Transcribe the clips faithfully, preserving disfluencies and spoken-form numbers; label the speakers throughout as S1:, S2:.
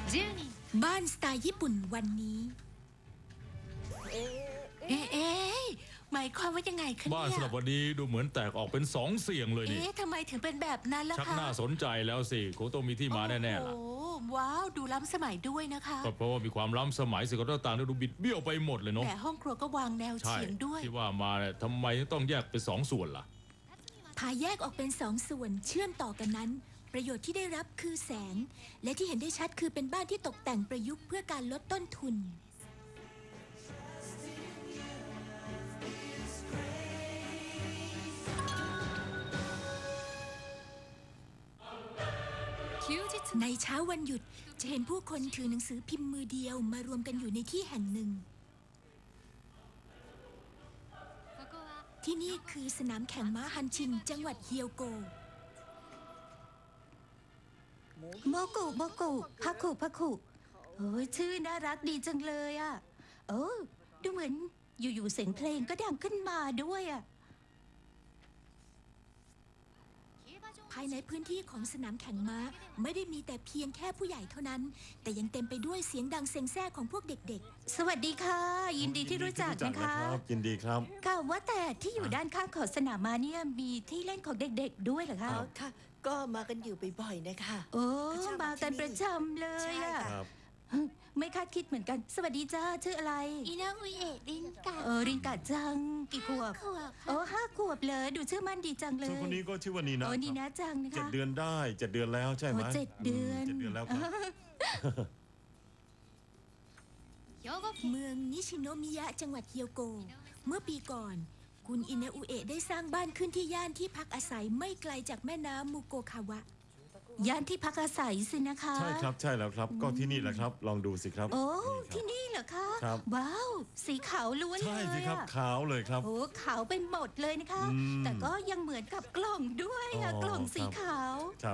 S1: บ้านสไตล์ญี่ปุ่นวันนี้เอ๊ะเอ๊ะหมายความว่ายังไงคะเนี่ย
S2: บ้านสำหรับวันนี้ดูเหมือนแตกออกเป็นสองเสียงเลยนี่
S1: เอ๊ะทำไมถึงเป็นแบบนั้นล่ะคะ
S2: ชักน่าสนใจแล้วสิคงต้องมีที่มาแน่ๆล่ะ
S1: โอ้ว้าวดูล้ำสมัยด้วยนะคะ
S2: ก็เพราะว่ามีความล้ำสมัยสิ่งต่างๆดูบิดเบี้ยวไปหมดเลยเนาะ
S1: แต่ห้องครัวก็วางแนว
S2: ใช่
S1: เฉียงด้วย
S2: ที่ว่ามาเนี่ยทำไมต้องแยกเป็นสองส่วนล่ะ
S1: พาแยกออกเป็นสองส่วนเชื่อมต่อกันนั้น ประโยชน์ที่ได้รับคือแสง และที่เห็นได้ชัดคือเป็นบ้านที่ตกแต่งประยุกต์เพื่อการลดต้นทุนในเช้าวันหยุดจะเห็นผู้คนถือหนังสือพิมพ์มือเดียวมารวมกันอยู่ในที่แห่งหนึ่ง ที่นี่คือสนามแข่งม้าฮันชินจังหวัดเฮียวโกโมกุโมกุพักคุพักคุโอ้ยชื่อน่ารักดีจังเลยอ่ะเออดูเหมือนอยู่ๆเสียงเพลงก็ดังขึ้นมาด้วยอ่ะภายในพื้นที่ของสนามแข่งม้าไม่ได้มีแต่เพียงแค่ผู้ใหญ่เท่านั้นแต่ยังเต็มไปด้วยเสียงดังเซ็งแซ่ของพวกเด็กๆสวัสดีค่ะยินดีที่รู้จักนะคะ
S3: ยินดีครับ
S1: ค่ะว่าแต่ที่อยู่ด้านข้างของสนามม้าเนี่ยมีที่เล่นของเด็กๆด้วยเหรอคะ
S4: อ๋อค่ะก็มากันอยู่บ่อยๆนะคะ
S1: โอ้มากันประจำเลย
S4: ใช่
S1: อะ
S4: ค่ะ
S3: ครับ
S1: ไม่คาดคิดเหมือนกัน สวัสดีจ้าชื่ออะไร
S5: อินาอุเอะรินกะ
S1: เออรินกาจังกี่ขวบ
S5: ขวบ
S1: โอ้ห้าขวบเลยดูชื่อมั่นดีจังเล
S3: ส่วน
S1: ย
S3: คนนี้ก็ชื่อว่านีนะ
S1: โอ้
S3: ครับ
S1: นี่นะจังนะ
S3: เจ็ด
S1: คะ
S3: เดือนได้เจ็ดเดือนแล้วใช่ไหม
S1: โอ้เจ็ดเดือน
S3: มเจ็ดเดือนแล้วครับ
S1: เมืองนิชิโนมิยะจังหวัดเฮียวโก เมื่อปีก่อน คุณอินาอุเอะได้สร้างบ้านขึ้นที่ย่านที่พักอาศัยไม่ไกลจากแม่น้ำมุโกคาวะ ย่านที่พักอาศัยสินะคะ
S3: ใช่ครับใช่แล้วครับ ก็ที่นี่แหละครับ ลองดูสิครับ
S1: โอ้
S3: นี่
S1: ที่นี่เหรอคะ
S3: ครับ
S1: ว้าว สีขาวล้วน
S3: ครับ
S1: เล
S3: ใช่
S1: ย
S3: สิครับ
S1: อะ
S3: ขาวเลยครับ
S1: โอ้ขาวเป็นหมดเลยนะคะ
S3: อืม
S1: แต่ก็ยังเหมือนกับกล่องด้วยอะ
S3: อ๋อก
S1: ล่องสี
S3: ครับ
S1: ขาว
S3: ครับ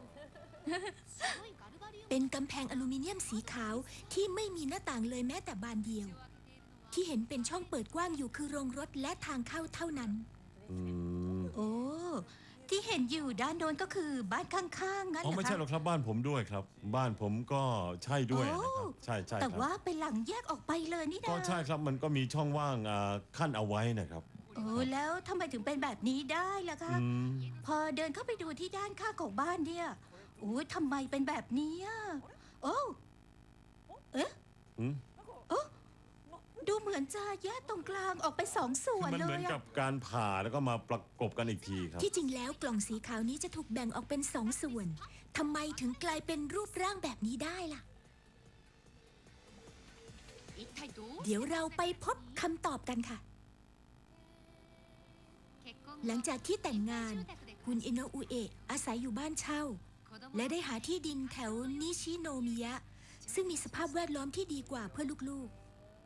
S1: เป็นกำแพงอลูมิเนียมสีขาวที่ไม่มีหน้าต่างเลยแม้แต่บานเดียว ที่เห็นเป็นช่องเปิดกว้างอยู่คือโรงรถและทางเข้าเท่านั้น
S3: อืม
S1: โอ้ ที่เห็นอยู่ด้านโน้นก็คือบ้านข้างๆงั้น
S3: อ๋อ
S1: เหรอ
S3: ไม่
S1: คะ
S3: ใช่หรอกครับบ้านผมด้วยครับ บ้านผมก็ใช่ด้วยนะครับ
S1: โอ้
S3: ใช่ใช่ค
S1: แต่
S3: รับ
S1: ว่าเป็นหลังแยกออกไปเลยนี่นะ
S3: ก็ใช่ครับมันก็มีช่องว่างอ่าขั้นเอาไว้นะครับ
S1: โอ้แล้วทำไมถึงเป็นแบบนี้ได้ล่ะคะ
S3: อืม
S1: พอเดินเข้าไปดูที่ด้านข้างของบ้านเนี่ยโอ้ยทำไมเป็นแบบนี้อ่ะโอ้เอ๊ะ
S3: อืม
S1: โอ้ดูเหมือนจะแยกตรงกลางออกไปสองส่วน
S3: มัน
S1: เล
S3: เหมือน
S1: ย
S3: กั
S1: อะ
S3: บการผ่าแล้วก็มาประกบกันอีกทีครับ
S1: ที่จริงแล้วกล่องสีขาวนี้จะถูกแบ่งออกเป็นสองส่วนทำไมถึงกลายเป็นรูปร่างแบบนี้ได้ล่ะ เดี๋ยวเราไปพบคำตอบกันค่ะ หลังจากที่แต่งงาน คุณอิโนะอุเอะอาศัยอยู่บ้านเช่า และได้หาที่ดินแถวนิชิโนมิยะ ซึ่งมีสภาพแวดล้อมที่ดีกว่าเพื่อลูกๆ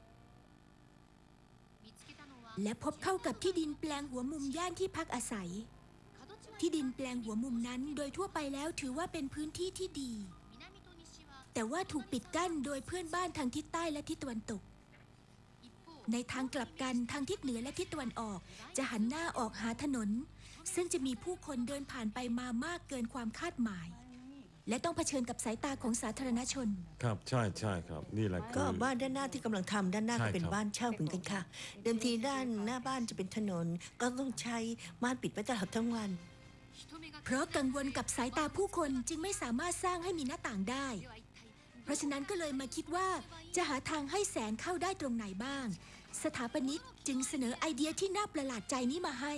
S1: และพบเข้ากับที่ดินแปลงหัวมุมย่านที่พักอาศัย ที่ดินแปลงหัวมุมนั้นโดยทั่วไปแล้วถือว่าเป็นพื้นที่ที่ดี แต่ว่าถูกปิดกั้นโดยเพื่อนบ้านทางทิศใต้และทิศตะวันตก ในทางกลับกันทางทิศเหนือและทิศตะวันออกจะหันหน้าออกหาถนน ซึ่งจะมีผู้คนเดินผ่านไปมามากเกินความคาดหมาย และต้องเผชิญกับสายตาของสาธารณชน
S3: ครับใช่ใช่ครับ นี่แหละคื
S4: ก็
S3: อ
S4: บ้านด้านหน้าที่กำลังทำด้านหน้า
S3: ใช่
S4: ก็เป็น
S3: ครับ
S4: บ้านเช่าเหมือนกันค่ะ เดิมทีด้านหน้าบ้านจะเป็นถนน ก็ต้องใช้ม่านปิดไว้ตลอดทั้งวัน
S1: เพราะกังวลกับสายตาผู้คนจึงไม่สามารถสร้างให้มีหน้าต่างได้ เพราะฉะนั้นก็เลยมาคิดว่าจะหาทางให้แสงเข้าได้ตรงไหนบ้าง สถาปนิกจึงเสนอไอเดียที่น่าประหลาดใจนี้มาให้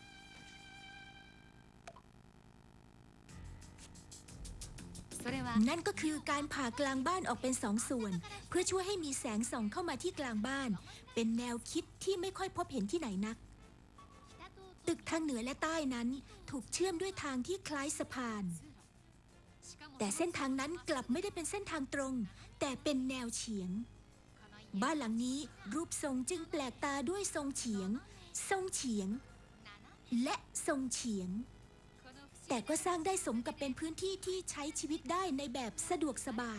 S1: นั่นก็คือการผ่ากลางบ้านออกเป็นสองส่วน เพื่อช่วยให้มีแสงส่องเข้ามาที่กลางบ้าน เป็นแนวคิดที่ไม่ค่อยพบเห็นที่ไหนนัก ตึกทางเหนือและใต้นั้นถูกเชื่อมด้วยทางที่คล้ายสะพาน แต่เส้นทางนั้นกลับไม่ได้เป็นเส้นทางตรง แต่เป็นแนวเฉียง บ้านหลังนี้รูปทรงจึงแปลกตาด้วยทรงเฉียง ทรงเฉียง และทรงเฉียง แต่ก็สร้างได้สมกับเป็นพื้นที่ที่ใช้ชีวิตได้ในแบบสะดวกสบาย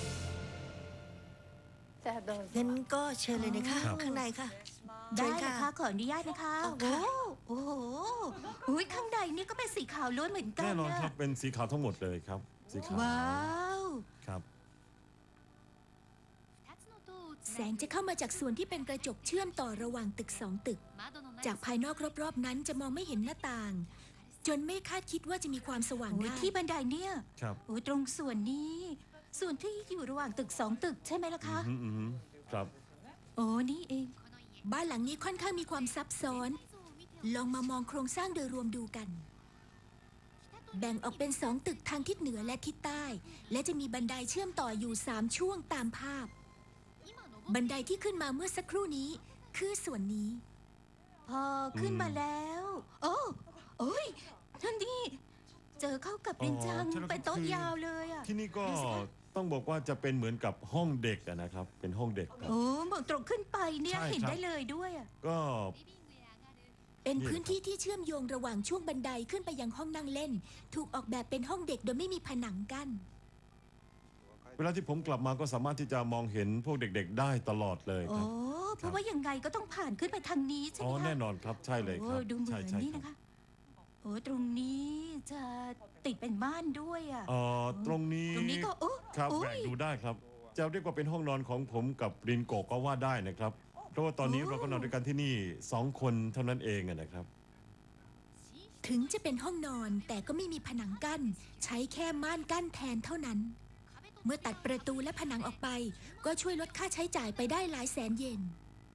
S4: งั้นก็เชิญเลยนะคะ ข้างในค่ะ
S1: ได้
S4: เชิญ
S1: ค่ะ
S4: ค่ะ
S5: ขออนุญาตนะคะ
S4: เอา
S5: โอ้
S4: ค่ะ
S5: โอ้โหอุ๊ยข้างในนี่ก็เป็นสีขาวล้วนเหมือนกัน
S3: แน่นอน
S5: นะครับ
S3: เป็นสีขาวทั้งหมดเลยครับ สีขาว
S5: ว้าว
S3: ครับ
S1: แสงจะเข้ามาจากส่วนที่เป็นกระจกเชื่อมต่อระหว่างตึกสองตึก จากภายนอกรอบๆนั้นจะมองไม่เห็นหน้าต่าง จนไม่คาดคิดว่าจะมีความสว่าง
S5: โอ้ย
S1: ได้
S5: ที่บันไดเนี่ย
S3: ครับ
S5: โอ้ยตรงส่วนนี้ ส่วนที่อยู่ระหว่างตึกสองตึกใช่ไหมล่ะคะ
S3: อืมอืมครับ
S5: โอ้นี่เอง
S1: บ้านหลังนี้ค่อนข้างมีความซับซ้อน ลองมามองโครงสร้างโดยรวมดูกัน แบ่งออกเป็นสองตึกทางทิศเหนือและทิศใต้ และจะมีบันไดเชื่อมต่ออยู่สามช่วงตามภาพ บันไดที่ขึ้นมาเมื่อสักครู่นี้คือส่วนนี้
S5: พอขึ้น
S3: อืม
S5: มาแล้ว โอ้โอ้ยท่านนี่เจอเข้ากับรินจัง
S3: อ๋อใช่แล้ว
S5: เป็นโต๊ะ
S3: คือ
S5: ยาวเลยอ่ะ
S3: ที่นี่ก็
S5: ดูสิคะ
S3: ต้องบอกว่าจะเป็นเหมือนกับห้องเด็กอะนะครับ เป็นห้องเด็กครับ
S5: โอ้มองตรงขึ้นไปเนี่ย
S3: ใช่
S5: เห็น
S3: ครับ
S5: ได้เลยด้วยอ่ะ
S3: ก็
S1: เป็น
S3: นี่แหละ
S1: พื้นที่ที่เชื่อมโยงระหว่างช่วงบันไดขึ้นไปยังห้องนั่งเล่น ถูกออกแบบเป็นห้องเด็กโดยไม่มีผนังกั้น
S3: เวลาที่ผมกลับมาก็สามารถที่จะมองเห็นพวกเด็ก ๆ ได้ตลอดเลยค
S5: โอ้
S3: รับ
S5: เพราะว่ายังไงก็ต้องผ่านขึ้นไปทางนี้ใช่
S3: อ๋
S5: ไห
S3: อ
S5: มคะ
S3: แน่นอนครับใช่เลยค
S5: โอ้
S3: รับ
S5: ดูเหมื
S3: ใช่
S5: อน
S3: ใช่
S5: นี่
S3: ครับ
S5: นะคะโอ้ตรงนี้จะติดเป็นบ้านด้วยอ่ะ
S3: เอ่อตรงนี้
S5: ตรงนี้ก็โอ้
S3: ครับ
S5: โอ้
S3: แบ่ง
S5: ย
S3: ดูได้ครับ จะเรียกว่าเป็นห้องนอนของผมกับรินโกะก็ว่าได้นะครับ เพราะว่าตอนนี้
S5: โอ้
S3: เราก็นอนด้วยกันที่นี่สองคนเท่านั้นเองอะนะครับ
S1: ถึงจะเป็นห้องนอนแต่ก็ไม่มีผนังกั้น ใช้แค่ม่านกั้นแทนเท่านั้น เมื่อตัดประตูและผนังออกไป ก็ช่วยลดค่าใช้จ่ายไปได้หลายแสนเยน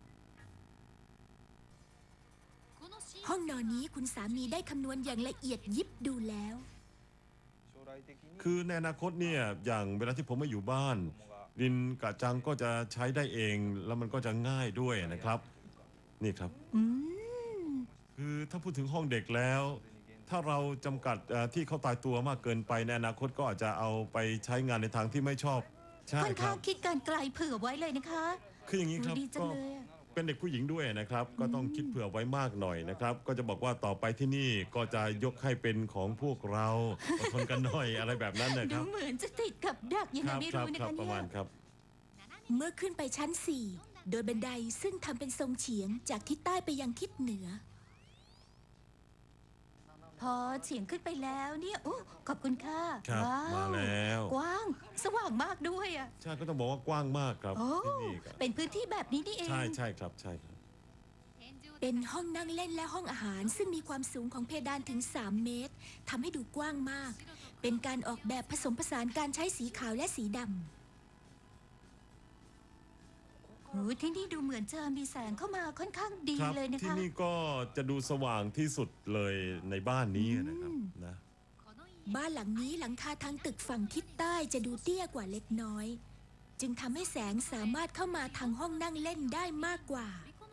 S1: ห้องนอนนี้คุณสามีได้คำนวณอย่างละเอียดยิบดูแล้ว
S3: คือในอนาคตเนี่ยอย่างเวลาที่ผมมาอยู่บ้าน รินกะจังก็จะใช้ได้เอง แล้วมันก็จะง่ายด้วยนะครับ นี่ครับ
S5: อืม
S3: คือถ้าพูดถึงห้องเด็กแล้ว ถ้าเราจำกัดเอ่อที่เขาตายตัวมากเกินไปในอนาคตก็อาจจะเอาไปใช้งานในทางที่ไม่ชอบ ใช่
S5: ค่อน
S3: ครั
S5: ข้าง
S3: บ
S5: คิดการไกลเผื่อไว้เลยนะคะ
S3: คืออย่างนี้ครับ
S5: โอ้ดีจัง
S3: ก็
S5: เลยอะ
S3: เป็นเด็กผู้หญิงด้วยนะครับ ก็ต้องคิดเผื่อไว้มากหน่อยนะครับ ก็จะบอกว่าต่อไปที่นี่ก็จะยกให้เป็นของพวกเราอดทนกันหน่อยอะไรแบบนั้นนะค
S5: ดู
S3: รับ
S5: เหมือนจะติดกับดักยัง
S3: ค
S5: ไง
S3: รั
S5: ไม่
S3: ครั
S5: รู้นะ
S3: ครั
S5: คะ
S3: ประ
S5: เนี่
S3: มาณ
S5: ย
S3: ครับ
S1: เมื่อขึ้นไปชั้น สี่ โดยบันไดซึ่งทำเป็นทรงเฉียงจากทิศใต้ไปยังทิศเหนือ
S5: พอเฉียงขึ้นไปแล้วเนี่ยโอ้ขอบคุณค่ะ
S3: ครับ
S5: ว้าว
S3: มาแล้ว
S5: กว้างสว่างมากด้วยอ่ะ
S3: ใช่ก็ต้องบอกว่ากว้างมากครับ
S5: โอ้
S3: ที่นี่ครับ
S5: เป็นพื้นที่แบบนี้นี่เอง
S3: ใช่ใช่ครับใช่ครับ
S1: เป็นห้องนั่งเล่นและห้องอาหารซึ่งมีความสูงของเพดานถึง สาม เมตรทำให้ดูกว้างมาก เป็นการออกแบบผสมผสานการใช้สีขาวและสีดำ
S5: โอ้ที่นี่ดูเหมือนจะมีแสงเข้ามาค่อนข้างดี
S3: ครับ
S5: เลยนะ
S3: ที่
S5: คะ
S3: นี่ก็จะดูสว่างที่สุดเลยในบ้านนี้นะครับ
S5: อืม
S3: นะ
S1: บ้านหลังนี้หลังคาทางตึกฝั่งทิศใต้จะดูเตี้ยกว่าเล็กน้อย จึงทำให้แสงสามารถเข้ามาทางห้องนั่งเล่นได้มากกว่า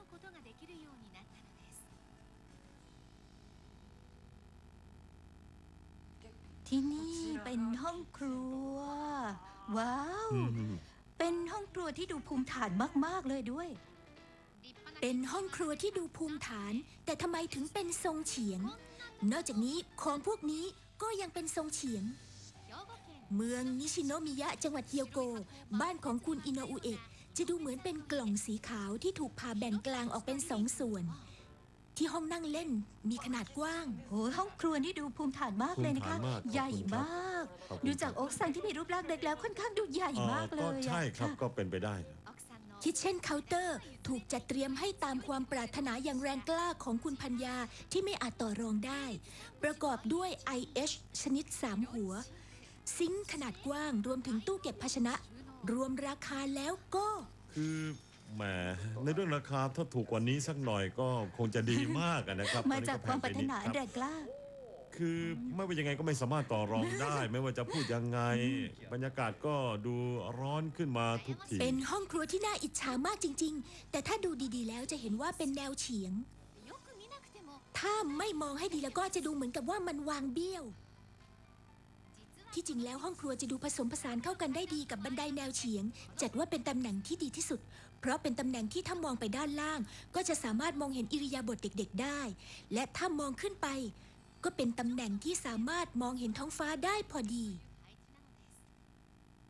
S5: ที่นี่เป็นห้องครัว ว้าว
S3: อืม
S5: เป็นห้องครัวที่ดูภูมิฐานมากๆเลยด้วย
S1: เป็นห้องครัวที่ดูภูมิฐาน แต่ทำไมถึงเป็นทรงเฉียง นอกจากนี้ของพวกนี้ก็ยังเป็นทรงเฉียง เมืองนิชิโนมิยะจังหวัดเกียวโก บ้านของคุณอิโนอุเอะจะดูเหมือนเป็นกล่องสีขาวที่ถูกผ่าแบ่งกลางออกเป็นสองส่วน ที่ห้องนั่งเล่นมีขนาดกว้าง
S5: โอ้ยห้องครัวนี่ดูภูมิฐานมากเลยนะคะ
S3: ภูมิฐานมากขอบคุณ
S5: ใหญ่มาก
S3: ขอบคุณ
S5: ดูจากโอ๊กซังที่มีรูปร่างเล็กแล้วค่อนข้างดูใหญ่
S3: เอ่อ
S5: มากเล
S3: ก็
S5: ยอะ
S3: ใช่ครับ
S5: ะ
S3: ก็เป็นไปได้ครับ
S1: คิทเช่นเคาน์เตอร์ถูกจัดเตรียมให้ตามความปรารถนาอย่างแรงกล้าของคุณพัญญาที่ไม่อาจต่อรองได้ ประกอบด้วย ไอ เอช ชนิด สาม หัว ซิงค์ขนาดกว้างรวมถึงตู้เก็บภาชนะ รวมราคาแล้วก็
S3: คือแหมในเรื่องราคาถ้าถูกกว่านี้สักหน่อยก็คงจะดีมากอะนะครับ
S5: มาจากความปรารถนา
S3: ตอนนี้ก็แพงไปนิด
S5: แรงกล้า
S3: คือไม่ว่ายังไงก็ไม่สามารถต่อรองได้ ไม่ว่าจะพูดยังไง บรรยากาศก็ดูร้อนขึ้นมาทุกที
S1: เป็นห้องครัวที่น่าอิจฉามากจริง ๆ แต่ถ้าดูดีๆแล้วจะเห็นว่าเป็นแนวเฉียง ถ้าไม่มองให้ดีแล้วก็จะดูเหมือนกับว่ามันวางเบี้ยว ที่จริงแล้วห้องครัวจะดูผสมผสานเข้ากันได้ดีกับบันไดแนวเฉียง จัดว่าเป็นตำแหน่งที่ดีที่สุด เพราะเป็นตำแหน่งที่ถ้ามองไปด้านล่าง ก็จะสามารถมองเห็นอิริยาบถเด็กๆได้ และถ้ามองขึ้นไป ก็เป็นตำแหน่งที่สามารถมองเห็นท้องฟ้าได้พอดี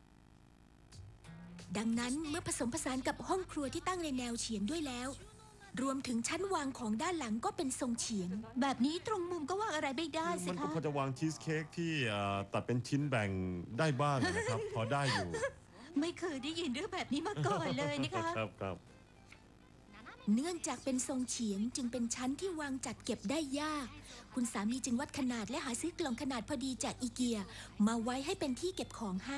S1: ดังนั้นเมื่อผสมผสานกับห้องครัวที่ตั้งในแนวเฉียงด้วยแล้วรวมถึงชั้นวางของด้านหลังก็เป็นทรงเฉียง
S5: แบบนี้ตรงมุมก็วางอะไรไม่ได้สิ
S3: มันก็
S5: คะ
S3: พอจะวางชีสเค้กที่เอ่อตัดเป็นชิ้นแบ่งได้บ้างนะครับ พอได้อยู่
S5: ไม่เคยได้ยินเรื่องแบบนี้มาก่อนเลยนะคะ
S3: ครับครับ
S1: เนื่องจากเป็นทรงเฉียงจึงเป็นชั้นที่วางจัดเก็บได้ยาก คุณสามีจึงวัดขนาดและหาซื้อกล่องขนาดพอดีจากอีเกีย มาไว้ให้เป็นที่เก็บของให้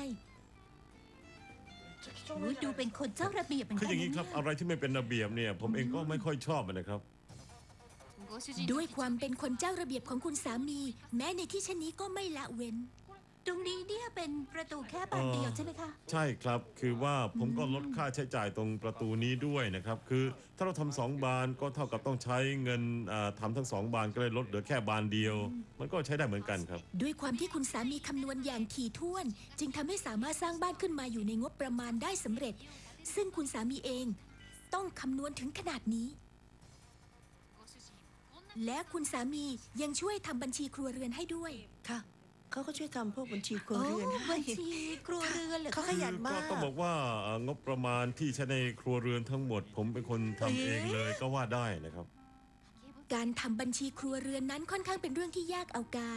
S5: โอ้ยดูเป็นคนเจ้าระเบียบเหมือน
S3: คือ
S5: กั
S3: อน ย่างนี้ครับ
S5: นะ
S3: อะไรที่ไม่เป็นระเบียบเนี่ย ผมเองก็ไม่ค่อยชอบนะครับ
S1: ด้วยความเป็นคนเจ้าระเบียบของคุณสามี แม้ในที่เช่นนี้ก็ไม่ละเว้น
S5: ตรงนี้เนี่ยเป็นประตูแค่บานเดียวใช่ไหมคะ
S3: ใช่ครับ คือว่าผมก็ลดค่าใช้จ่ายตรงประตูนี้ด้วยนะครับ คือถ้าเราทำสองบานก็เท่ากับต้องใช้เงินอ่าทำทั้งสองบานก็เลยลดเหลือแค่บานเดียว มันก็ใช้ได้เหมือนกันครับ
S1: ด้วยความที่คุณสามีคำนวณอย่างถี่ถ้วน จึงทำให้สามารถสร้างบ้านขึ้นมาอยู่ในงบประมาณได้สำเร็จ ซึ่งคุณสามีเองต้องคำนวณถึงขนาดนี้ และคุณสามียังช่วยทำบัญชีครัวเรือนให้ด้วย
S4: ค่ะ เขาก็ช่วยทำพวกบัญชีครัว
S5: โอ้
S4: เรือนให้
S5: บัญชีครัวเรือนเหรอ
S4: เขา
S5: คะ
S4: ขยัน
S3: ก็
S4: มาก
S3: ต้องบอกว่าเอ่องบประมาณที่ใช้ในครัวเรือนทั้งหมด ผมเป็นคนทำเองเลยก็ว่าได้นะครับ
S1: การทำบัญชีครัวเรือนนั้นค่อนข้างเป็นเรื่องที่ยากเอาการ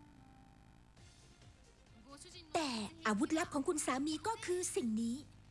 S1: แต่อาวุธลับของคุณสามีก็คือสิ่งนี้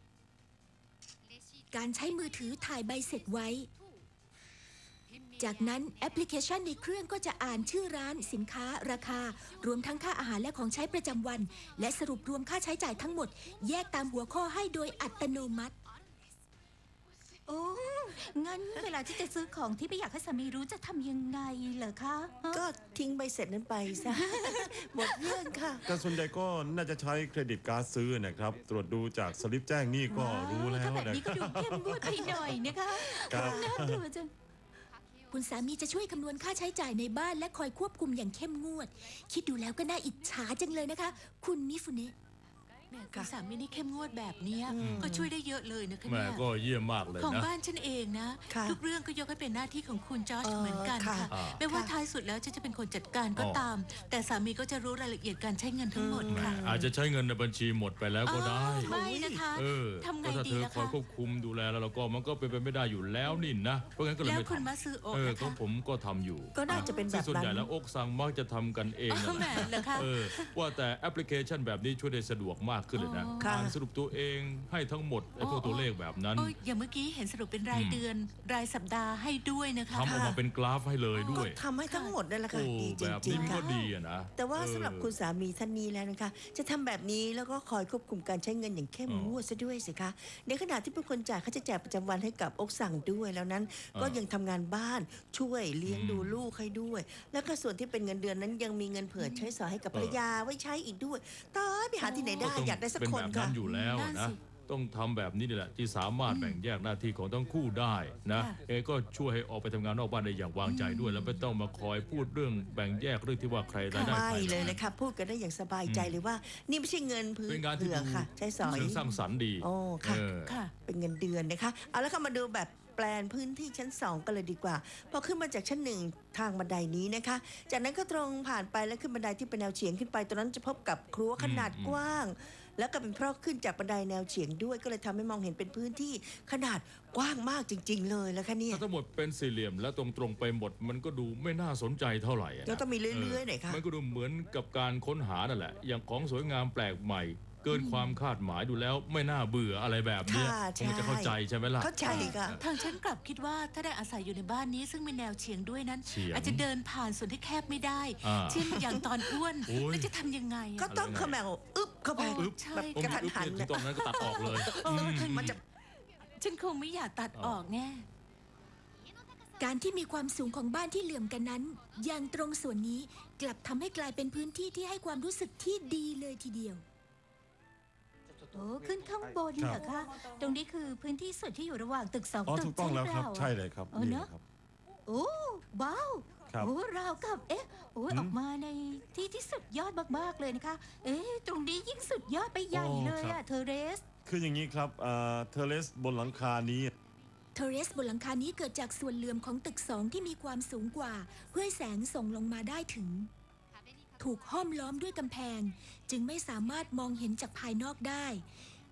S1: การใช้มือถือถ่ายใบเสร็จไว้ จากนั้นแอปพลิเคชันในเครื่องก็จะอ่านชื่อร้านสินค้าราคา รวมทั้งค่าอาหารและของใช้ประจำวัน และสรุปรวมค่าใช้จ่ายทั้งหมด แยกตามหัวข้อให้โดยอัตโนมัติ
S5: โอ้งั้นเวลาที่จะซื้อของที่ไม่อยากให้สามีรู้จะทำยังไงเหรอคะฮะ
S4: ก็ทิ้งใบเสร็จนั้นไปซะ หมดเรื่องค่ะ
S3: แต่ส่วนใหญ่ก็น่าจะใช้เครดิตการ์ดซื้อนะครับ ตรวจดูจากสลิปแจ้งหนี้ก็รู้แล้ว
S5: ถ้าแบบ
S3: นะ
S5: นี้
S3: ค
S5: ก็
S3: รับ
S5: ดูเข้มงวดไปหน่อยนะคะ
S3: ครับ
S5: น่ากลัวจัง
S1: คุณสามีจะช่วยคำนวณค่าใช้จ่ายในบ้านและคอยควบคุมอย่างเข้มงวด คิดดูแล้วก็น่าอิจฉาจังเลยนะคะ คุณมิฟุเนะ
S6: แม่คุณสามีนี่เข้มงวดแบบเนี้ย
S4: อืม
S6: ก็ช่วยได้เยอะเลยนะคะ
S2: แม่
S6: เนี่ย
S2: ก็เยี่ยมมากเลย
S6: ของ
S2: นะ
S6: บ้านฉันเองนะ
S4: ค่ะ
S6: ทุกเรื่องก็ยกให้เป็นหน้าที่ของคุณจอร์จ
S4: เออ
S6: เหมือนกัน
S4: ค่ะ
S6: ค่ะ
S2: อ่า
S6: ไม่ว่า
S4: ค่ะ
S6: ท้ายสุดแล้วฉันจะเป็นคนจัดการก็
S2: อ๋อ
S6: ตาม แต่สามีก็จะรู้รายละเอียดการใช้เงินทั้งหมด
S2: แม่
S6: ค่ะ
S2: อาจจะใช้เงินในบัญชีหมดไปแล้วก็ได้
S6: อ้าวไม่นะคะ
S2: เออ
S6: ทำไง
S2: ก็ถ้า
S6: ดี
S2: เธอ
S6: ล่ะ
S2: คอย
S6: คะ
S2: ควบคุมดูแลแล้วเราก็มันก็เป็นไปไม่ได้อยู่แล้วนี่นะ เพราะงั้นก็เลย
S6: แล้ว
S2: ไม่
S6: คุณ
S2: ทำ
S6: มาซื้อโอ๊
S2: เออ
S6: นะ
S2: ก็
S6: คะ
S2: ผมก็ทำอยู่
S4: ก็น่าจะเป็นแบ
S2: ซึ่ง
S4: บ
S2: ส่วน
S4: นั้
S2: ใหญ่
S4: น
S2: แล้วอกสั่งมักจะทำกันเอง
S6: อ๋อ
S2: นั่นแห
S6: แหม
S2: ละ
S6: เหรอคะ
S2: เออว่าแต่แอปพลิเคชันแบบนี้ช่วยได้สะดวกมากขึ้นเลยนะ
S6: อ๋อ
S4: ค่ะ
S2: อ่านสรุปตัวเองให้ทั้งหมดไอ้พวกตัวเลขแบบนั้น
S6: โอ้ยอย่างเมื่อกี้เห็นสรุปเป็นราย
S2: อืม
S6: เดือน รายสัปดาห์ให้ด้วยนะคะ
S2: ทำออกมาเป็นกราฟให้เลยด้
S4: ก็
S2: วย
S4: ทำให้ทั้งหมดนั่นแหละค่ะ
S2: โอ้
S4: ดีจ
S2: แบบ
S4: ริ
S2: นี้
S4: ง
S2: มัน
S4: ๆ
S2: ก็
S4: ค่ะ
S2: ดีอะนะ
S4: แต่ว่า
S2: เออ
S4: สำหรับคุณสามีท่านนี้แล้วนะคะ จะทำแบบนี้แล้วก็คอยควบคุมการใช้เงินอย่างเข้ม
S2: อ๋อ
S4: งวดซะด้วยสิคะ ในขณะที่เป็นคนจ่ายค่าใช้จ่ายประจำวันให้กับอกสั่งด้วยแล้วนั้น ก็
S2: อ่ายั
S4: ยังทำงานบ้านช่วยเลี้ยง
S2: อืม
S4: ดูลูกให้ด้วย แล้วก็ส่วนที่เป็นเงินเดือนนั้นยังมีเงินเผื่อใช้สอยให้กับภรรยาไว้ใช้อีกด้วยตายไปหาที่ไหนได้
S2: ต้ง
S4: อยากได้สัก
S2: เป็น
S4: ค
S2: แบ
S4: น
S2: บ
S4: ค่ะ
S2: นั้นอยู่แล้วอะ
S6: นั่
S2: นะ
S6: นสิ
S2: ต้องทำแบบนี้นี่แหละที่สามารถแบ่งแยกหน้าที่ของทั้งคู่ได้นะ
S6: ค่ะ
S2: เอก็ช่วยให้ออกไปทำงานนอกบ้านได้อย่างวางใจด้วย แล้วไม่ต้องมาคอยพูดเรื่องแบ่งแยกเรื่องที่ว่าใครรายได้
S4: ไม่
S2: ใคร
S4: เลยนะคะพูดกันได้อย่างสบายใจเลยว่า นี่ไม่ใช่เงินพื้น
S2: เป็นงานที่
S4: เผื่อ
S2: ดู
S4: ค่ะ ใช้สอย
S2: เชิงสร้างสรรค์ดี
S4: โอ้ค่ะ
S2: เออ
S6: ค่ะ
S4: เป็นเงินเดือนนะคะ เอาแล้วก็มาดูแบบแปลนพื้นที่ชั้นสองกันเลยดีกว่า พอขึ้นมาจากชั้นหนึ่งทางบันไดนี้นะคะ จากนั้นก็ตรงผ่านไปแล้วขึ้นบันไดที่เป็นแนวเฉียงขึ้นไป ตรงนั้นจะพบกับครัวขนาด
S2: อืม
S4: กว้าง แล้วก็เป็นเพราะขึ้นจากบันไดแนวเฉียงด้วย ก็เลยทำให้มองเห็นเป็นพื้นที่ขนาดกว้างมากจริง ๆ เลยแล้วค่ะเนี่ย
S2: ถ้าทั้งหมดเป็นสี่เหลี่ยมและตรงๆไปหมดมันก็ดูไม่น่าสนใจเท่าไหร่ะนะ
S4: แล้วต้องมีเรื่อยๆหน่อยค่ะ
S2: มันก็ดูเหมือนกับการค้นหานั่นแหละ อย่างของสวยงามแปลกใหม่ เกินความคาดหมายดูแล้วไม่น่าเบื่ออะไรแบบเนี้ย
S4: ค่ะ
S2: คงจะเข้าใจใช่ไหมล่ะ
S4: เข้าใจค่ะ
S6: ทางฉันกลับคิดว่าถ้าได้อาศัยอยู่ในบ้านนี้ซึ่งมีแนวเฉียงด้วยนั้น
S2: เฉียง
S6: อาจจะเดินผ่านส่วนที่แคบไม่ได้
S2: อ่า
S6: เช่นอย่างตอนอ้วน
S2: โอ้ย
S6: แล้วจะทำยังไงอะ
S4: ก็ต้องเขมวอึ๊บเข้าไป
S6: โอ้ใช่
S4: แบบ
S2: โอ้
S4: กระ
S2: มี
S4: ทัน
S2: อึ๊บ
S4: หัน
S2: เนี่ยตอนนั้นก็ตัดออกเลย
S6: เออทาง
S4: มันจะ
S6: ฉันคงไม่อยากตัดออกแน่
S1: การที่มีความสูงของบ้านที่เหลื่อมกันนั้น อย่างตรงส่วนนี้กลับทำให้กลายเป็นพื้นที่ที่ให้ความรู้สึกที่ดีเลยทีเดียว
S5: โอ้ขึ้นข้างบนเหรอคะ ตรงนี้คือพื้นที่ส่วนที่อยู่ระหว่างตึกสอง
S3: อ๋อ
S5: ตึ
S3: ถู
S5: ก
S3: กต้องแล้วครับ
S5: ใช่
S3: ใช่
S5: เปล่า
S3: เลยครับ
S5: เออ
S3: นี่
S5: เนอะ
S3: ครับ
S5: โอ้ว้าว
S3: ครับ
S5: โอ้ราวกับเอ๊ะโอ้ย
S3: หืม
S5: ออกมาในที่ที่สุดยอดมากๆเลยนะคะ เอ๊ะตรงนี้ยิ่งสุดยอดไปใหญ่
S3: โอ้
S5: เลย
S3: ครั
S5: อะ
S3: บ
S5: เทเรส
S3: คืออย่างนี้ครับเอ่อเทเลสบนหลังคานี้
S1: เทเรสบนหลังคานี้เกิดจากส่วนเหลื่อมของตึกสองที่มีความสูงกว่า เพื่อให้แสงส่งลงมาได้ถึง ถูกห้อมล้อมด้วยกำแพง จึงไม่สามารถมองเห็นจากภายนอกได้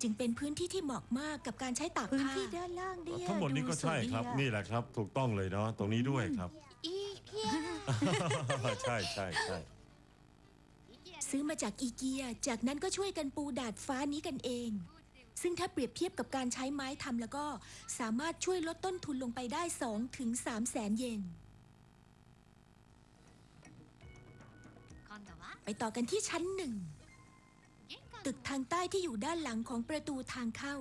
S1: จึงเป็นพื้นที่ที่เหมาะมากกับการใช้ตาก
S5: พื้น
S1: ผ้า
S5: ที่ด้านล่างเนี่ย
S3: ทั้งหมดนี้ก็ใช่ครับ
S5: ดูสวยอะ
S3: นี่แหละครับ ถูกต้องเลยเนาะตรงนี้ด้วยครับ
S6: อีเกีย
S3: ใช่ใช่ใช่
S1: ซื้อมาจากอีเกีย จากนั้นก็ช่วยกันปูดาดฟ้านี้กันเอง ซึ่งถ้าเปรียบเทียบกับการใช้ไม้ทำแล้วก็สามารถช่วยลดต้นทุนลงไปได้สองถึงสามแสนเยน ไปต่อกันที่ชั้นหนึ่ง ตึกทางใต้ที่อยู่ด้านหลังของประตูทางเข้า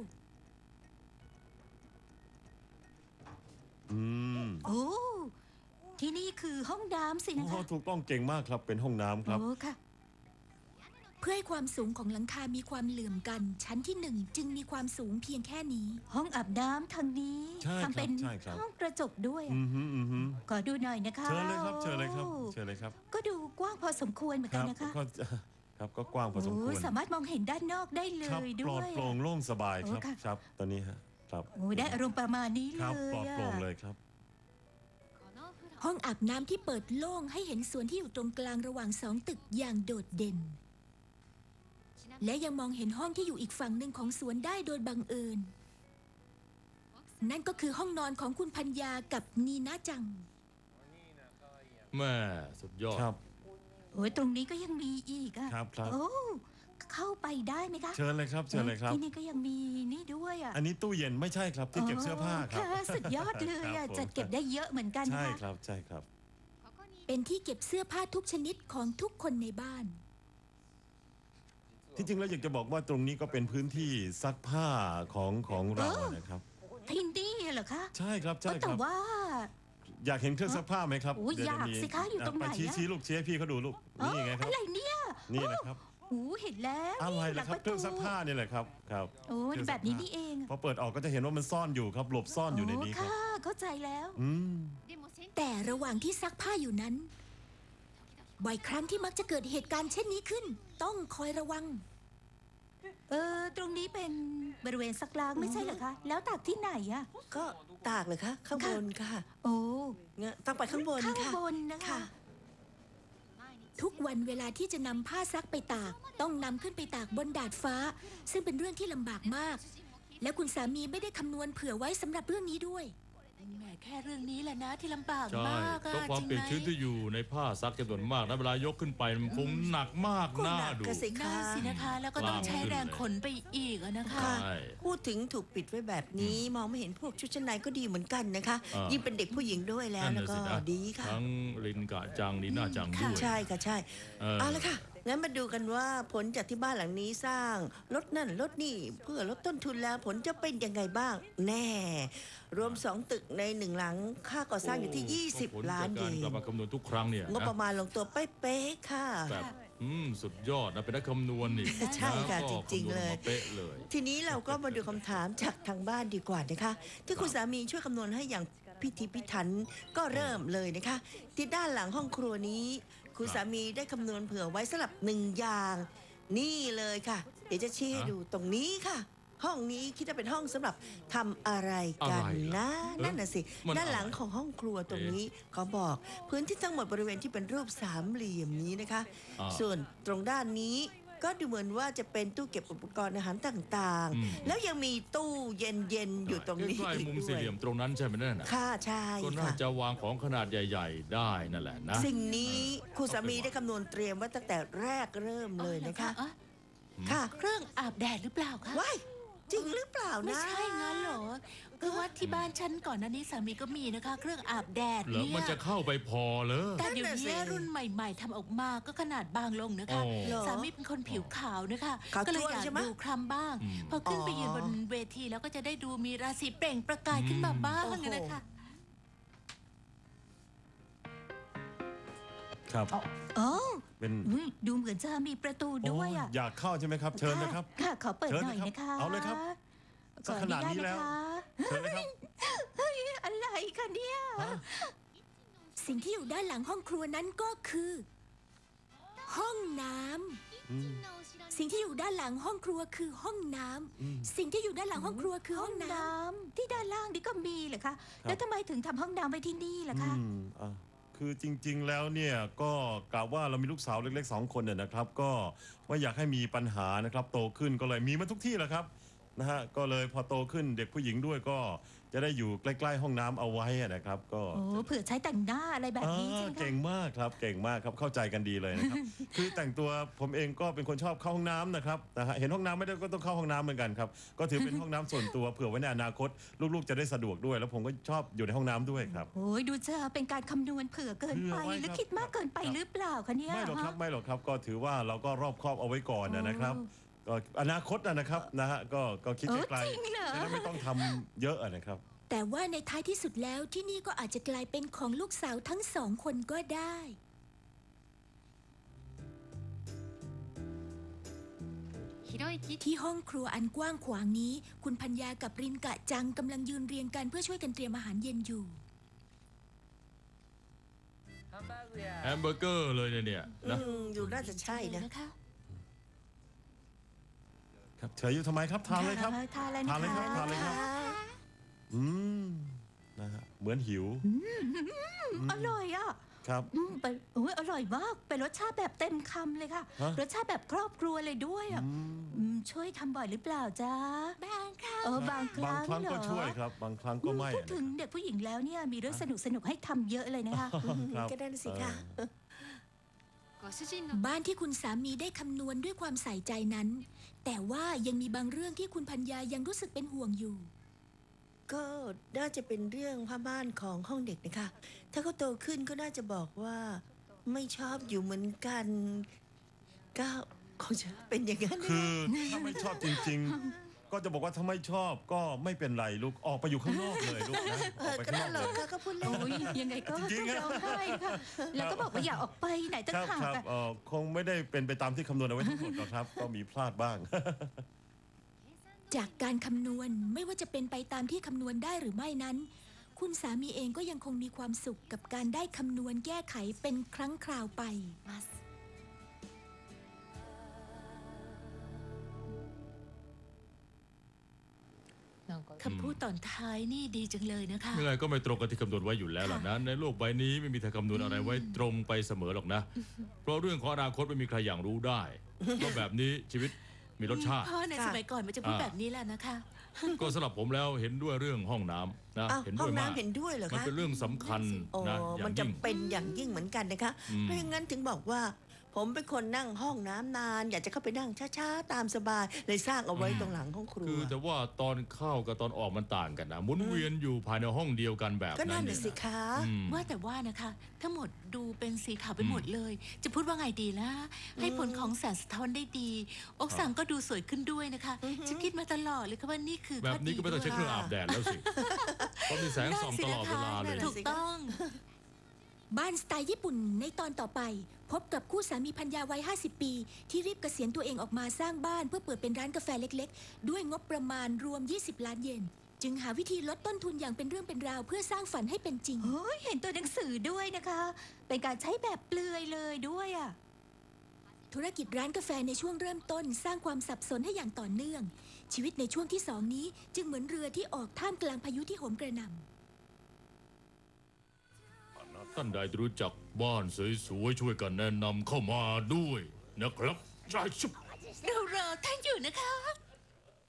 S3: อืม
S5: โอ้ที่นี่คือห้องน้ำสินะ
S3: โอ้
S5: คะ
S3: ถูกต้องเก่งมากครับเป็นห้องน้ำครับ
S5: โอ้ค่ะ
S1: เพื่อให้ความสูงของหลังคามีความเหลื่อมกัน ชั้นที่หนึ่งจึงมีความสูงเพียงแค่นี้
S5: ห้องอาบน้ำทางนี้
S3: ใช่ครับ
S5: ทำเป็น
S3: ใช่ครับ
S5: ห้องกระจกด้วยอะ
S3: อืมฮึอืมฮึ
S5: ขอดูหน่อยนะคะ
S3: เชิญเลยครับเชิญเลยครับ
S5: โอ้
S3: เชิญเลยครับ
S5: ก็ดูกว้างพอสมควรเหมือน
S3: ค
S5: กัน
S3: รับ
S5: นะคะ
S3: ก็ครับก็กว้างพอสมควร
S5: โอ้สามารถมองเห็นด้านนอกได้เล
S3: ครับ
S5: ย
S3: ปล
S5: ด้
S3: อ
S5: ว
S3: ด
S5: ย
S3: โปร่งโล่งสบายครับ
S5: โอ้ค่ะ
S3: ครับตอนนี้ฮะครับ
S5: โอ้ได้อารมณ์ประมาณนี้
S3: ค
S5: เล
S3: รับ
S5: ย
S3: ปลอด
S5: อะ
S3: โปร่งเลยครับ
S1: ห้องอาบน้ำที่เปิดโล่งให้เห็นสวนที่อยู่ตรงกลางระหว่างสองตึกอย่างโดดเด่น และยังมองเห็นห้องที่อยู่อีกฝั่งหนึ่งของสวนได้โดยบังเอิญ นั่นก็คือห้องนอนของคุณพัญญากับนีนาจัง
S2: แม่สุดยอด
S3: ครับ
S5: โอ้ยตรงนี้ก็ยังมีอีกอะ
S3: ครับครับ
S5: โอ้เข้าไปได้ไหมคะ
S3: เชิญเลยครับเชิญเลยครับ
S5: ที่นี่ก็ยังมีนี่ด้วยอะ
S3: อันนี้ตู้เย็นไม่ใช่ครับที่เก็บเสื้อผ้าครับ
S5: ค่ะสุดยอดเลย
S3: ครั
S5: อะ
S3: บผม
S5: จัดเก็บได้เยอะเหมือนกัน
S3: ใช่
S5: นะคะ
S3: ครับใช่ครับ
S1: เป็นที่เก็บเสื้อผ้าทุกชนิดของทุกคนในบ้าน
S3: ที่จริงแล้วอยากจะบอกว่าตรงนี้ก็เป็นพื้นที่ซักผ้าของของเรานะครับ
S5: ที่นี่เหรอคะ
S3: ใช่ครับใช่ค
S5: แต่
S3: รับ
S5: ว่า
S3: อยากเห็นเครื่องซักผ้าไหมครับ
S5: โอ้ย
S3: เดี๋วจะ
S5: อยาก
S3: มี
S5: สิคะอยู่ตรงไหน
S3: ไปชี้
S5: อะ
S3: ชี้ลูกชี้ให้พี่เขาดูลูกนี่ไงครับ
S5: อะไรเนี่ย
S3: นี่นะครับ
S5: โอ้เห็นแล้ว
S3: อะไร
S5: ห
S3: ล่ะ
S5: ง
S3: ครับ
S5: ปะ
S3: เครื่องซักผ้านี่แหละครับครับ
S5: โอ้
S3: เครื่อง
S5: แบ
S3: ซัก
S5: บนี้
S3: ผ้า
S5: นี่เอง
S3: พอเปิดออกก็จะเห็นว่ามันซ่อนอยู่ครับ หลบซ่อนอยู่ในนี้ครับ
S5: ค่ะ เข้าใจแล้ว
S3: อืม
S1: แต่ระหว่างที่ซักผ้าอยู่นั้น บ่อยครั้งที่มักจะเกิดเหตุการณ์เช่นนี้ขึ้น ต้องคอยระวัง
S5: เออ ตรงนี้เป็นบริเวณซักล้างไม่ใช่เหรอคะ แล้วตากที่ไหนอะ
S4: ก็ตากเลยคะข้างบนค่ะ
S5: โอ้
S4: เนี่ยต้องไปข้างบน
S5: ข้าง
S4: ค่ะ
S5: บนนะคะ
S4: ค่ะ
S1: ทุกวันเวลาที่จะนำผ้าซักไปตาก ต้องนำขึ้นไปตากบนดาดฟ้า ซึ่งเป็นเรื่องที่ลำบากมาก และคุณสามีไม่ได้คำนวณเผื่อไว้สำหรับเรื่องนี้ด้วย
S6: แหมแค่เรื่องนี้แหละนะที่ลำบาก
S2: ใช่
S6: มาก
S2: เพ
S6: อะ
S2: ราะความ
S6: จริง
S2: เปียก
S6: ไหม
S2: ชื้นที่อยู่ในผ้าซักจำนวนมากนะเวลายกขึ้นไปมันคงหนักมาก
S4: ก็
S2: น่า
S4: หนัก
S2: ดู
S4: ก็สิ
S6: น่า
S4: คะ
S6: สินะคะ แล้วก็ต้องใช้แรงขนไปอีกอะนะคะ
S2: ใช่
S4: พูดถึงถูกปิดไว้แบบนี้ มองไม่เห็นพวกชุดชั้นในก็ดีเหมือนกันนะคะ
S2: อ่ายิ่
S4: ยิ่งเป็นเด็กผู้หญิงด้วยแล้ว
S2: นั่น
S4: แล้ว
S2: น่ะ
S4: ก็
S2: สินะ
S4: ดีค่ะ
S2: ทั้งลินกะจังนีน่าจังด้วย
S4: ใช่ค่ะใช่
S2: เออ
S4: เอาละค่ะ งั้นมาดูกันว่าผลจากที่บ้านหลังนี้สร้างลดนั่นลดนี่เพื่อลดต้นทุนแล้วผลจะเป็นยังไงบ้าง แน่ รวมสองตึกในหนึ่งหลังค่าก่อสร้างอยู่ที่ ยี่สิบ
S2: ผล
S4: ล้าน
S2: จาก
S4: เย
S2: การกลับ
S4: น
S2: มาคำนวณทุกครั้งเนี่ย
S4: งบประ
S2: นะ
S4: มาณลงตัวเป๊ะๆค่ะ
S2: แบบอืมสุดยอดนะเป็นนักคำนวณนี่
S4: ใช่ค่ะ
S2: แล้วก็
S4: จริงๆ
S2: คำนวณ
S4: เลย
S2: มาเป๊ะเลย
S4: ทีนี้เราก็มาดูคำถามจากทางบ้านดีกว่านะคะ ที่คุณสามีช่วยคำนวณให้อย่างพิถีพิถันก็เริ่มเลยนะคะ ที่ด้านหลังห้องครัวนี้ คุณสามีได้คำนวณเผื่อไว้สำหรับหนึ่งอย่าง นี่เลยค่ะ เดี๋ยวจะชี้ให้
S2: ฮะ
S4: ดูตรงนี้ค่ะ ห้องนี้คิดว่าเป็นห้องสำหรับทำอะไรกัน
S2: อะไรล่ะ
S4: นะ
S2: เอ๊ะ
S4: นั่นน่ะสิ
S2: มัน
S4: ด้านหลัง
S2: อะไร
S4: ของห้องครัวตรงนี้เขาบอกพื้นที่ทั้งหมดบริเวณที่เป็นรูปสามเหลี่ยมนี้นะคะ
S2: อ่า
S4: ส่วนตรงด้านนี้ก็ดูเหมือนว่าจะเป็นตู้เก็บอุปกรณ์อาหารต่าง
S2: อืม
S4: ๆ แล้วยังมีตู้เย็นๆอยู่ตรงนี้
S2: ใกล้
S4: อีก
S2: ๆมุม
S4: ด้
S2: สี่
S4: วย
S2: เหลี่ยมตรงนั้นใช่ไหมนั่นน่ะ
S4: ค่ะใช่
S2: ก็น่า
S4: ค่ะ
S2: จะวางของขนาดใหญ่ ๆ ได้นั่นแหละนะ
S4: สิ่งนี้คุณสามีได้คำนวณเตรียมไว้ตั้งแต่แรกเริ่มเลยนะคะ
S6: อ๋อ
S4: ค่ะ
S6: เครื่องอาบแดดหรือเปล่าคะ
S4: ว้ายจริงหรือเปล่า
S6: ไม่
S4: นะ
S6: ใช่งั้นเหรอคือว่าที่บ้านฉันก่อนหน้านี้สามีก็มีนะคะ เครื่องอาบแดด
S2: เหรอ
S6: เนี่
S2: มัน
S6: ย
S2: จะเข้าไปพอเลย
S6: แต่เดี๋ยวนี้รุ่นใหม่ ๆทำออกมาก็ขนาดบางลงนะคะ
S2: โอ้
S4: เหรอ
S6: สามีเป็นคนผิวขาวนะคะ
S4: ขาว
S6: ก็เลย
S4: จ้วน
S6: อยาก
S4: ใช่ไหม
S6: ดูคล้ำบ้าง
S2: อืม
S6: พอขึ้นไป
S4: อ๋อ
S6: ยืนบนเวทีแล้วก็จะได้ดูมีราศีเปล่งประกายขึ้นมาบ้าง
S4: โอ้โห
S6: นะคะ
S3: ครับ
S5: โอ้
S3: เป็น
S5: อุ๊ยดูเหมือนจะมีประตูด้วยอะ
S3: โอ้อยากเข้าใช่ไหมครับ เชิญนะครับ
S5: ค่ะ ขอเปิด
S3: เชิญ
S5: หน่อย
S3: นะครับ
S5: นะคะ
S3: เอาเลยครับ
S5: ขออ
S3: ขนาดนี้
S5: ญต
S3: แล้ว
S5: ะคะ
S3: เชิญเลยครับ
S5: อะไรคะเนี่ย
S3: ฮะ
S1: สิ่งที่อยู่ด้านหลังห้องครัวนั้นก็คือ ห้องน้ำ
S3: อืม
S1: สิ่งที่อยู่ด้านหลังห้องครัวคือห้องน้ำ
S3: อืม
S1: สิ่งที่อยู่ด้านหลังห้องครัวคือ
S5: ห้
S1: ห้
S5: อ
S1: อง งน้
S5: น้ำที่ด้านล่างนี่ก็มีเหรอคะ แล้วทำไมถึงทำห้องน้ำไว้ที่นี่ล่ะคะ
S3: อืมอ่ะคือจริงๆ แล้วเนี่ยก็กะว่าเรามีลูกสาวเล็กๆสองคนเนี่ยนะครับ ก็ไม่อยากให้มีปัญหานะครับ โตขึ้นก็เลยมีมาทุกที่แหละครับนะฮะก็เลยพอโตขึ้นเด็กผู้หญิงด้วยก็จะได้อยู่ใกล้ๆห้องน้ำเอาไว้อะนะครับก็
S5: โอ้เผื่อใช้แต่งหน้าอะไรแบบนี้
S3: อ่า
S5: ใช่ไหม
S3: เก่ง
S5: คะ
S3: มากครับเก่งมากครับเข้าใจกันดีเลยนะครับ คือแต่งตัวผมเองก็เป็นคนชอบเข้าห้องน้ำนะครับนะฮะเห็นห้องน้ำไม่ได้ก็ต้องเข้าห้องน้ำเหมือนกันครับก็ถือเป็นห้องน้ำส่วนตัวเผื่อไว้ในอนาคต ลูกๆจะได้สะดวกด้วย แล้วผมก็ชอบอยู่ในห้องน้ำด้วยครับ
S5: โอ้ยดูจะเป็นการคำนวณเผื่อเกินไป
S3: เผื่อไว้
S5: หรือ
S3: ครับ
S5: คิดมากเกินไปหรือเปล่าคะเนี่ย
S3: ไม่หรอกครับ
S5: ฮะ
S3: ไม่หรอกครับก็ถือว่าเราก็รอบคอบเอาไว้ก่อนนะครับก็อนาคตนะนะครับนะฮะก็ก็คิด
S5: เออ
S3: ไกล
S5: จริงเหรอ
S3: ๆจะได้ไม่ต้องทำเยอะอะนะครับ
S1: แต่ว่าในท้ายที่สุดแล้วที่นี่ก็อาจจะกลายเป็นของลูกสาวทั้งสองคนก็ได้ ที่ห้องครัวอันกว้างขวางนี้ คุณพัญญากับรินกะจังกำลังยืนเรียงกันเพื่อช่วยกันเตรียมอาหารเย็นอยู่
S2: แฮมเบอร์เกอร์เลยเนี่ยเนี่ย
S4: อื
S2: นะ
S4: มอยู่น่าจะใช่นะ
S6: นะคะ
S3: ครับเฉยอยู่ทำไมครับทานเลยครับ
S5: ทานแล้ว
S3: ทานเลย
S5: นะ
S3: ครับ
S5: คะ
S3: ทานเลยครับ อืมนะฮะเหมือนหิว
S5: อร่อยอ่ะ
S3: ครับ
S5: อืมเป็นโอ้ยอร่อยมาก เป็นรสชาติแบบเต็มคำเลยค่ะ
S3: ฮะ
S5: รสชาติแบบครอบครัวเลยด้วยอ่ะ
S3: อืม
S5: อืมช่วยทำบ่อยหรือเปล่าจ๊ะ
S6: บางครั้ง
S5: เออบางค
S3: บาง
S5: รั้ง
S3: ครั้ง
S5: เหร
S3: ก็
S5: อ
S3: ช่วยครับ บางครั้งก็ไม่
S5: พูด
S3: อะ
S5: ถึงเด็กผู้หญิงแล้วเนี่ยมีเรื่องสนุกสนุกๆให้ทำเยอะเลยนะคะ
S3: ครับ
S4: ก็ได้นะสิคะ
S3: เออ
S1: บ้านที่คุณสามีได้คำนวณด้วยความใส่ใจนั้น แต่ว่ายังมีบางเรื่องที่คุณพัญญายังรู้สึกเป็นห่วงอยู่
S4: ก็น่าจะเป็นเรื่องผ้าม่านของห้องเด็กนะคะ ถ้าเขาโตขึ้นก็น่าจะบอกว่าไม่ชอบอยู่เหมือนกัน ก็คงจะเป็นอย่างนั้นนะ
S3: คือถ้าไม่ชอบจริง ๆ ก็จะบอกว่าถ้าไม่ชอบก็ไม่เป็นไรลูกออกไปอยู่ข้างนอกเลยลูกนะ
S4: เอ
S3: ออก
S4: อ
S3: ไป
S4: ก็
S3: ข้างน
S4: นั่
S3: อน ก
S4: หร
S3: เล
S4: อก
S3: ย
S4: ค่ะก็พูดเล่น
S5: โอ้ยยังไงก็
S3: จริ
S5: ต้อง
S3: งๆอะ
S5: ร้องไห้ค่ะ แล้วก็บอกว่าอย่าออกไปไหนตั้
S3: ค
S5: ง
S3: รับ
S5: หาก
S3: ครับ
S5: อะ
S3: เอ่อคงไม่ได้เป็นไปตามที่คำนวณเอาไว้ทั้งหมดหรอกครับ ก็มีพลาดบ้าง
S1: จากการคำนวณไม่ว่าจะเป็นไปตามที่คำนวณได้หรือไม่นั้น คุณสามีเองก็ยังคงมีความสุขกับการได้คำนวณแก้ไขเป็นครั้งคราวไป
S6: มัส
S2: คำพูด
S6: ตอนท้ายนี่ดีจังเลยนะคะ
S2: ยังไงก็ไม่ตรงกับที่คำนวณไว้อยู่แล้วล่ะนะในโลกใบนี้ไม่มีทางคำนวณอะไรไว้ตรงไปเสมอหรอกนะ เพราะเรื่องของอนาคตไม่มีใครอย่างรู้ได้เพราะแบบนี้ชีวิตมีรสชาติ
S6: พ่อในสมัยก่อนมันจะพูดแบบนี้แหละนะคะ
S2: ก็สำหรับผมแล้วเห็นด้วยเรื่องห้องน้ำนะ
S4: อ้าว
S2: เห็น
S4: ห้
S2: ด้
S4: อ
S2: วย
S4: ง
S2: มาก
S4: น้ำเห็นด้วยเหรอ
S2: มัน
S4: คะ
S2: เป็นเรื่องสำคัญ
S4: โอ้
S2: นะอย่า
S4: มัน
S2: ง
S4: จะ
S2: ยิ่ง
S4: เป็นอย่างยิ่งเหมือนกันนะคะ
S2: อืม
S4: เพราะอย่างนั้นถึงบอกว่า ผมเป็นคนนั่งห้องน้ำนาน อยากจะเข้าไปนั่งช้าๆ ตามสบาย เลยสร้างเอาไว้ตรงหลังห้องครัว
S2: คือแต่ว่าตอนเข้ากับตอนออกมันต่างกันนะหมุนเวียนอยู่ภายในห้องเดียวกันแบบ
S4: ก็
S2: นั้
S4: นั่
S2: น
S4: น
S2: เนี่
S4: น่ะ
S2: ย
S4: สิ
S2: นะ
S4: คะ
S2: อืม
S6: ว่าแต่ว่านะคะ ทั้งหมดดูเป็นสีขาวไปหมดเลย จะพูดว่าไงดีล่ะ ให้ผลของแสงสะท้อนได้ดี อกสังก็ดูสวยขึ้นด้วยนะคะฉันคิดมาตลอดเลยค่ะว่านี่คือ
S2: แบบนี้ก็ไม่ต้องใช้เครื่อง
S6: ข้
S2: อาบแดดแล้วสิเพราะมีแสงส่องตลอดเวลาเลย
S6: ดีถูกต้อง
S1: บ้านสไตล์ญี่ปุ่นในตอนต่อไป พบกับคู่สามีพัญญาวัย ห้าสิบ ปี ที่รีบเกษียณตัวเองออกมาสร้างบ้านเพื่อเปิดเป็นร้านกาแฟเล็กๆ ด้วยงบประมาณรวม ยี่สิบ ล้านเยน จึงหาวิธีลดต้นทุนอย่างเป็นเรื่องเป็นราวเพื่อสร้างฝันให้เป็นจริง
S5: เฮ้ยเห็นตัวหนังสือด้วยนะคะ เป็นการใช้แบบเปลือยเลยด้วยอ่ะ
S1: ธุรกิจร้านกาแฟในช่วงเริ่มต้นสร้างความสับสนให้อย่างต่อเนื่อง ชีวิตในช่วงที่สองนี้จึงเหมือนเรือที่ออกท่ามกลางพายุที่โหมกระหน่ำ
S2: ท่านใดรู้จักบ้านสวยๆช่วยกันแนะนำเข้ามาด้วยนะครับใช่ชุบ
S6: เรารอท่านอยู่นะคะ